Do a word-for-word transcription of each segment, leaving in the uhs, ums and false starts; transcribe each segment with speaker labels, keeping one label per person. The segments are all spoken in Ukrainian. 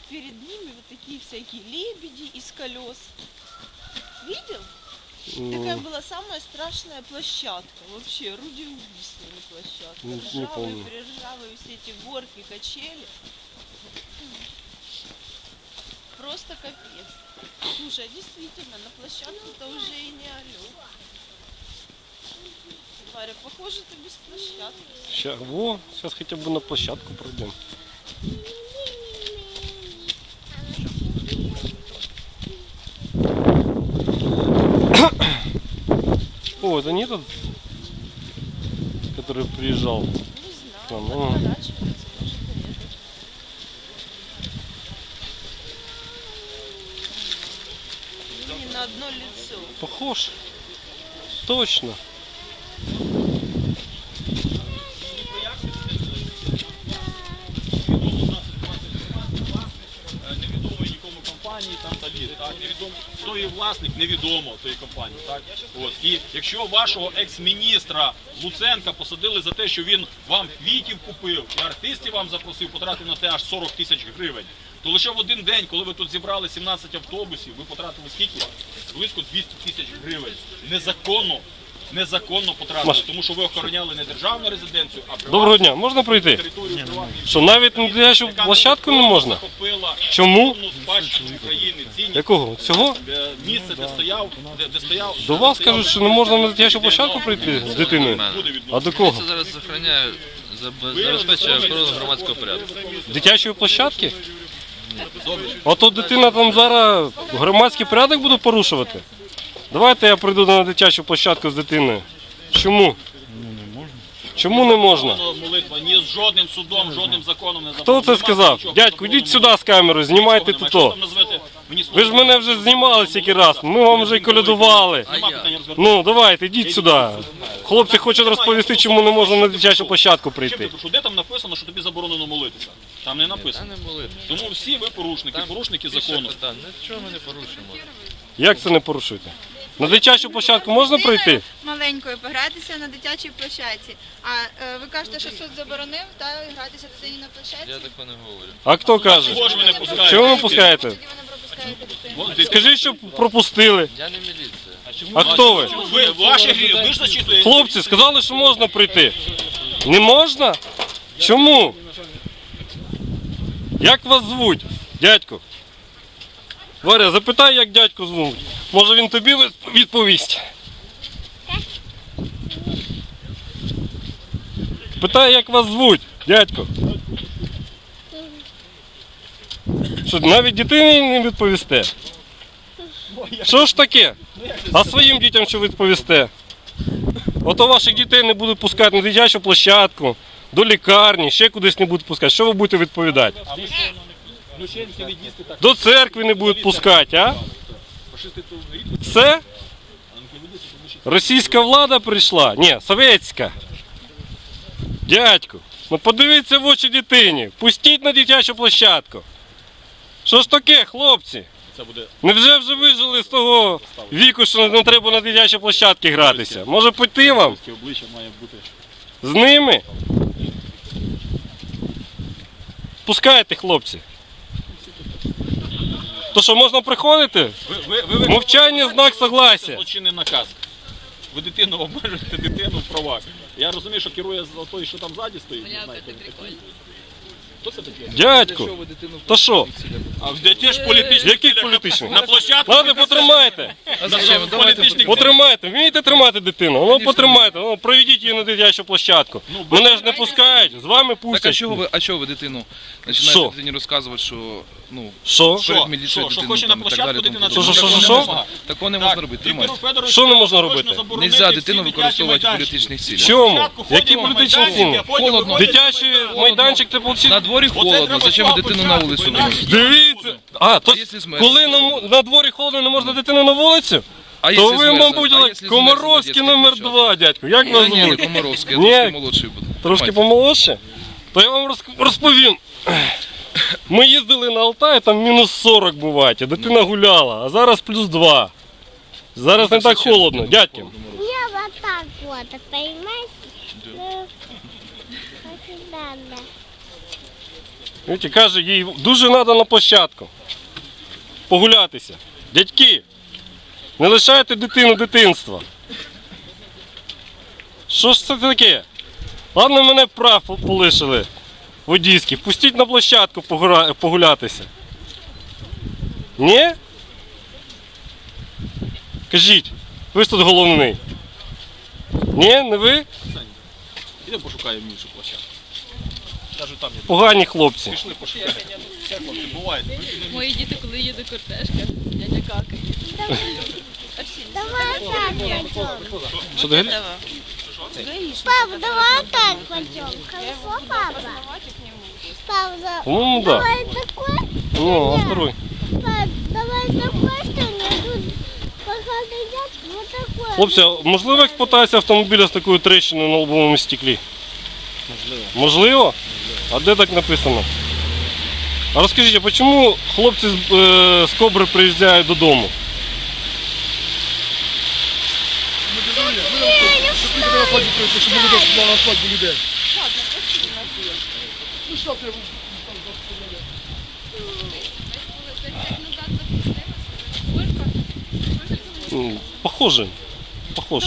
Speaker 1: перед ними вот такие всякие лебеди из колес. Видел? Такая была самая страшная площадка. Вообще, орудие-убийственная площадка.
Speaker 2: Не, не
Speaker 1: Ржавые,
Speaker 2: помню.
Speaker 1: перержавые все эти горки, качели. Просто капец. Слушай, а действительно, на площадку-то уже и не алё. Варя, похоже, ты без площадки.
Speaker 2: Ща, во, сейчас хотя бы на площадку пройдем. О, это не тот, который приезжал?
Speaker 1: Не знаю,
Speaker 2: Там,
Speaker 1: подворачивается, может, и это. Не на одно лицо.
Speaker 2: Похож. Точно.
Speaker 3: Невідомої нікому компанії, там далі, так, невідомо, хто є власник, невідомо тої компанії, так. От. І якщо вашого екс-міністра Луценка посадили за те, що він вам квітів купив і артистів вам запросив, потратив на те аж сорок тисяч гривень, то лише в один день, коли ви тут зібрали сімнадцять автобусів, ви потратили скільки? Близько двісті тисяч гривень. Незаконно. Незаконно потратили,
Speaker 2: Маш.
Speaker 3: тому що ви охороняли не державну резиденцію, а приватну
Speaker 2: Доброго дня, можна пройти?
Speaker 3: територію приватної.
Speaker 2: Що навіть на дитячу площадку не можна?
Speaker 3: Захопила
Speaker 2: Чому?
Speaker 3: культурну спадщину України, цінність,
Speaker 2: Якого? Цього?
Speaker 3: е, місце, де стояв, де, де стояв.
Speaker 2: До вас кажуть, що не можна на дитячу площадку прийти з дитиною. А до кого?
Speaker 4: Це зараз охороняє, забезпечує охорону громадського порядку.
Speaker 2: Дитячої площадки? Ото дитина там зараз громадський порядок буде порушувати? Давайте я прийду на дитячу площадку з дитиною. Чому? Чому не можна?
Speaker 3: Молитва ні з жодним судом, жодним законом не
Speaker 2: Хто
Speaker 3: заборонено.
Speaker 2: це сказав? Дядьку, йдіть сюди з камерою, знімайте тут. то. Ви ж мене вже знімали стільки раз, ми вам вже й колядували. Ну, давайте, йдіть сюди. Хлопці хочуть розповісти, чому не можна на дитячу площадку прийти.
Speaker 3: Де там написано, що тобі заборонено молитися? Там не
Speaker 4: Та
Speaker 3: написано.
Speaker 4: не молити.
Speaker 3: Тому всі ви порушники, порушники закону.
Speaker 4: Так, нічого ми не порушимо.
Speaker 2: Як це не порушуєте? На дитячу площадку можна пройти?
Speaker 5: Маленькою погратися на дитячій площадці. А е, ви кажете, що суд заборонив та гратися дитині на площадці?
Speaker 4: Я такого не говорю.
Speaker 2: А хто каже?
Speaker 3: Чого ж ви не пускаєте?
Speaker 2: Чого ви не пускаєте?
Speaker 5: Тоді ви не пропускаєте дитину.
Speaker 3: Вон, ти-
Speaker 2: Скажіть, що пропустили.
Speaker 4: Я не міліція.
Speaker 2: А хто ви?
Speaker 3: Ви, ваші грі, ви ж зачитуєте.
Speaker 2: Хлопці, сказали, що можна прийти. Не можна? Чому? Як вас звуть, дядько? Варя, запитай, як дядьку звуть. Може він тобі відповість? Питай, як вас звуть, дядько. Що, навіть дитині не відповісте? Що ж таке? А своїм дітям що відповісте? Ото ваших дітей не будуть пускати на дитячу площадку, до лікарні, ще кудись не будуть пускати. Що ви будете відповідати?
Speaker 3: Включенці, від'їзди, так.
Speaker 2: До церкви не будуть пускати, а? Все? Російська влада прийшла? Ні, совєтська. Дядьку, ну подивіться в очі дитині, пустіть на дитячу площадку. Що ж таке, хлопці?
Speaker 3: Це буде
Speaker 2: Невже вже вижили з того віку, що не треба на дитячі площадки гратися? Може піти вам?
Speaker 3: таке обличчя має бути.
Speaker 2: З ними? Пускайте, хлопці. То що, можна приходити?
Speaker 3: Ви, ви, ви, ви
Speaker 2: Мовчання – знак согласия.
Speaker 3: злочинний наказ. Ви дитину обмежуєте дитину в правах. Я розумію, що керує за той, що там ззаді стоїть. Не знаю, хто такий. Хто це такий?
Speaker 2: Дядьку, то що?
Speaker 3: А де ті ж політичні
Speaker 2: Яких
Speaker 3: цілях?
Speaker 2: політичних?
Speaker 3: На площадку?
Speaker 2: Ладно, потримайте.
Speaker 4: А зачем? Давайте
Speaker 3: Політичних
Speaker 2: Потримайте. Вмієте тримати дитину? Ну, потримайте. Ну, проведіть її на дитячу площадку. Мене ж не пускають, з вами
Speaker 6: Так а
Speaker 2: пустять.
Speaker 6: чого ви, а чого ви дитину
Speaker 2: Що?
Speaker 6: починаєте дитині розказувати, що ну
Speaker 2: Що?
Speaker 3: Що?
Speaker 6: перед міліцією
Speaker 3: Що? Що
Speaker 6: дитину
Speaker 3: хоче на
Speaker 6: там і так
Speaker 3: площадку
Speaker 6: далі, тому
Speaker 3: дитина?
Speaker 6: подобне?
Speaker 2: Що, що, що,
Speaker 6: Такого
Speaker 2: що?
Speaker 6: не можна. Такого не можна робити. Тримайте.
Speaker 2: Що не можна робити?
Speaker 6: Нельзя дитину використовувати в політичних цілях.
Speaker 2: Чому? Які політичні цілі?
Speaker 6: Холодно.
Speaker 2: Дитячий майданчик це получить.
Speaker 6: На дворі холодно, зачем ви дитину на вулицю виносите?
Speaker 2: Дивіться. А, то
Speaker 6: А якщо змерзне?
Speaker 2: коли на, мо- на дворі холодно, не можна дитину на вулицю?
Speaker 6: А
Speaker 2: То
Speaker 6: якщо
Speaker 2: ви,
Speaker 6: змерзне?
Speaker 2: мабуть,
Speaker 6: А
Speaker 2: like,
Speaker 6: якщо
Speaker 2: Комаровський
Speaker 6: змерзне
Speaker 2: номер
Speaker 6: дитяча
Speaker 2: два, дядько. Як вас
Speaker 6: площадка? Ні, не
Speaker 2: звуть?
Speaker 6: Комаровський, я
Speaker 2: Ні.
Speaker 6: трошки молодший буду.
Speaker 2: Трошки
Speaker 6: Тримайте.
Speaker 2: помолодше? То я вам розк- розповім. Ми їздили на Алтай, там мінус сорок буває, а дитина гуляла, а зараз плюс два. Зараз не так холодно, дядьки.
Speaker 7: Я вот так вот, понимаете? Ну, вот сюда, да.
Speaker 2: Видите, каже, їй дуже треба на площадку. Погулятися. Дядьки, не лишайте дитину дитинства. Що ж це таке? Ладно, мене прав полишили водійські. Пустіть на площадку погуля- погулятися. Ні? Кажіть, ви ж тут головний. Ні, не ви?
Speaker 3: Ідемо пошукаємо іншу площадку. Кажу, там є.
Speaker 2: Погані хлопці.
Speaker 3: Пішли пошукаємо. Все, хлопці, буває.
Speaker 8: Мої діти, коли їде кортежка, дядя какає.
Speaker 7: Давай так пойдем.
Speaker 2: Що ти говориш?
Speaker 7: Пап, давай так пойдем. Хорошо, папа? Пап, да-
Speaker 2: По-моєму, да.
Speaker 7: давай такой.
Speaker 2: Ну, а второй?
Speaker 7: Пап, давай такой, что мне тут пока едят вот такой.
Speaker 2: Хлопці, а можливо експлуатація автомобіля з такою тріщиною на лобовому стеклі? Можливо. Можливо? А де так написано? А розкажіть, а чому хлопці з, е, з Кобри приїжджають додому? М, Похоже. Похож.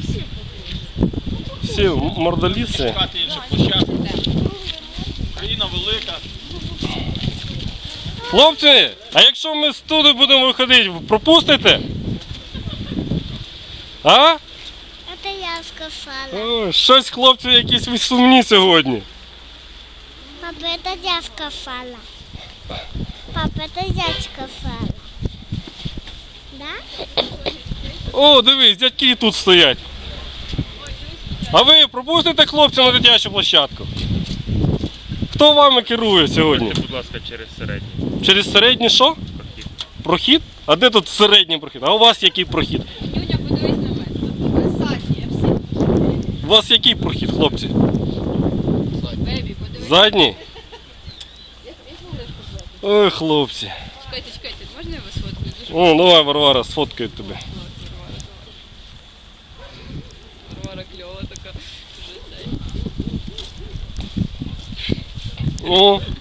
Speaker 2: Всі мордоліси.
Speaker 3: Шукати іншу площадку. Країна велика.
Speaker 2: Хлопці, а якщо ми з туди будемо виходити, пропустите? А?
Speaker 7: Это я сказала.
Speaker 2: Ой, щось хлопці якісь ви сумні сьогодні.
Speaker 7: Папа, это я сказала. Папа, это я сказала. Да?
Speaker 2: О, дивись, дядьки і тут стоять. А ви пропустите хлопця на дитячу площадку? Хто вами керує сьогодні?
Speaker 9: Будь ласка, через середній
Speaker 2: Через середній що?
Speaker 9: прохід.
Speaker 2: Прохід? А де тут середній прохід? А у вас який прохід?
Speaker 8: Нюня, подивись на мене.
Speaker 1: Задние все.
Speaker 2: У вас який прохід, хлопці?
Speaker 8: Бебі, подивись.
Speaker 2: Задній? Ой, хлопці.
Speaker 8: Чекайте, чекайте, можна я вас сфоткаю? Дуже
Speaker 2: О, давай, Варвара, сфоткаю тебе.
Speaker 8: Варвара кльова така. Дуже цей.
Speaker 2: О,